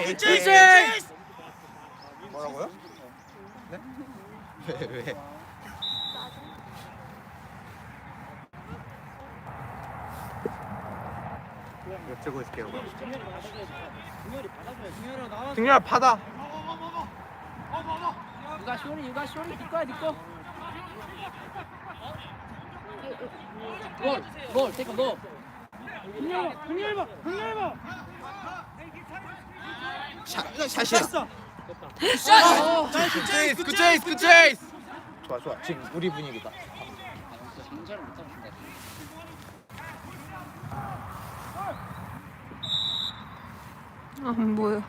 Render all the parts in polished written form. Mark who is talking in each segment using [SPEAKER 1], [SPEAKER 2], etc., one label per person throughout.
[SPEAKER 1] 체이스!
[SPEAKER 2] 뭐라고요? 네? 왜? 여쭤고 있을게요. 승렬아 받아.
[SPEAKER 1] 유가 쇼리 네 거야. 골 테이크 골.
[SPEAKER 2] 샷이야. 굿 체이스. 좋아. 지금 우리 분위기다.
[SPEAKER 1] 장전을 못 합니다.
[SPEAKER 3] 안 보여.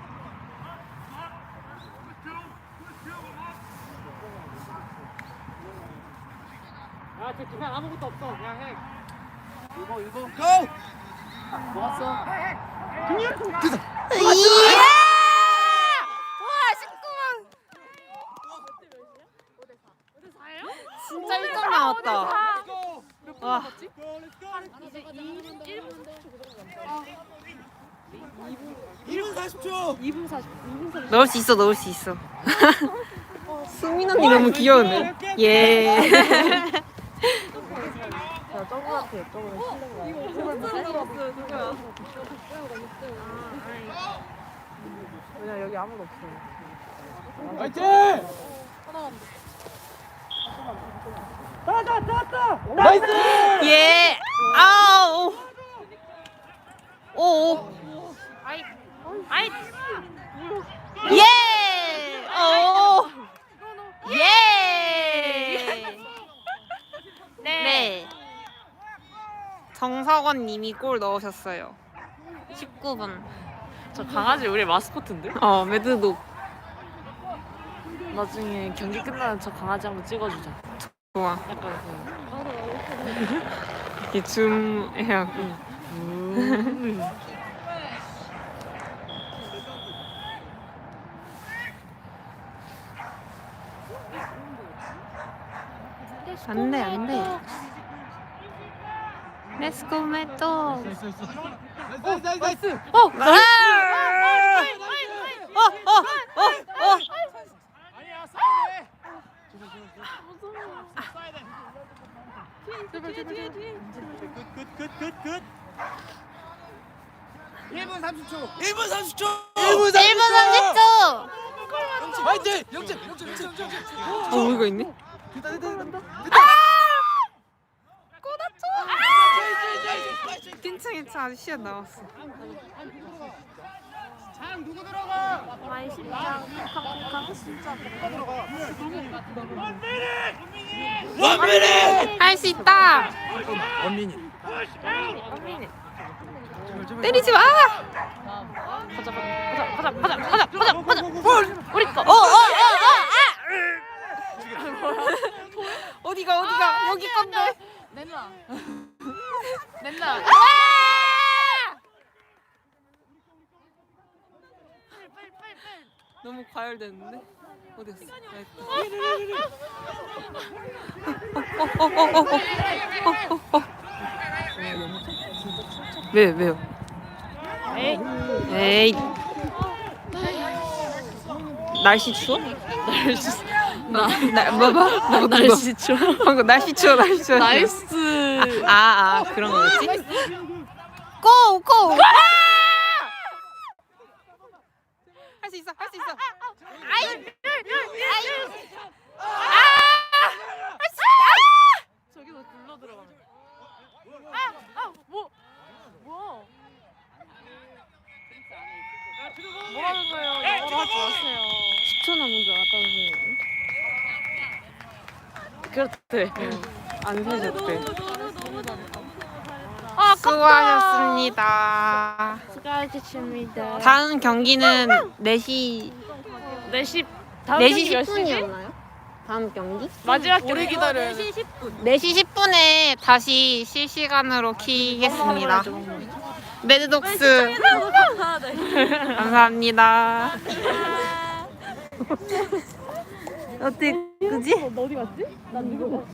[SPEAKER 1] 야, 쟤 기사 아무것도 없어. 그냥 해. 이거.
[SPEAKER 2] 고!
[SPEAKER 1] 모았어.
[SPEAKER 3] 이야! 와, 19만. 진짜 1점 나왔다. 와.
[SPEAKER 1] 이제 1분 40초.
[SPEAKER 3] 넣을 수 있어. 수민 언니 너무 귀여운데? 예.
[SPEAKER 4] 왜냐 여기 아무도 없어.
[SPEAKER 1] 화이팅! 나이스!
[SPEAKER 3] 예. 아우. 오. 아이. 예. 오. 예. 네. 정석원 님이 골 넣으셨어요. 19분.
[SPEAKER 4] 저 강아지 우리 마스코트인데?
[SPEAKER 3] 매드독.
[SPEAKER 4] 나중에 경기 끝나면 저 강아지 한번 찍어주자.
[SPEAKER 3] 좋아.
[SPEAKER 4] 약간
[SPEAKER 3] 이렇게 줌 해갖고. 안 돼. 렛츠고 메토.
[SPEAKER 1] 나이스! 아니야, 싸야 돼. 굿. 1분 30초.
[SPEAKER 3] 1분 30초.
[SPEAKER 1] 화이팅!
[SPEAKER 3] 이거 있네. 괜찮아. 아직 시간 남았어.
[SPEAKER 1] 장 누구 들어가? 원민이!
[SPEAKER 3] 할 수 있다.
[SPEAKER 2] 원민이.
[SPEAKER 3] 때리지 마.
[SPEAKER 4] 가자.
[SPEAKER 3] 우리 거. 어디가? 여기 건데.
[SPEAKER 4] 낸나.
[SPEAKER 3] 너무 과열됐는데? 어디였어? 왜요? 에이. 날씨 추워?
[SPEAKER 4] 날씨 추워.
[SPEAKER 3] 방금 날씨 추워.
[SPEAKER 4] 나이스.
[SPEAKER 3] 그런 거였지? 고! 할 수 있어.
[SPEAKER 4] 저기서 굴러 들어가네. 뭐라는 거예요? 영어로 하지 마세요.
[SPEAKER 3] 10초 남은 줄 알았다.
[SPEAKER 4] 그렇대.
[SPEAKER 3] 안 세졌대.
[SPEAKER 4] 아깝다.
[SPEAKER 3] 수고하셨습니다.
[SPEAKER 4] 수고하셨습니다.
[SPEAKER 3] 다음 경기는 4시
[SPEAKER 4] 4시 다음 경기 몇 시지?
[SPEAKER 3] 10분이었나요? 다음 경기?
[SPEAKER 4] 마지막 경기 기다려요.
[SPEAKER 3] 4시 10분에 다시 실시간으로 키겠습니다. 매드독스 감사합니다. 어때? 그지?
[SPEAKER 4] 너 어디 갔지? 난 이거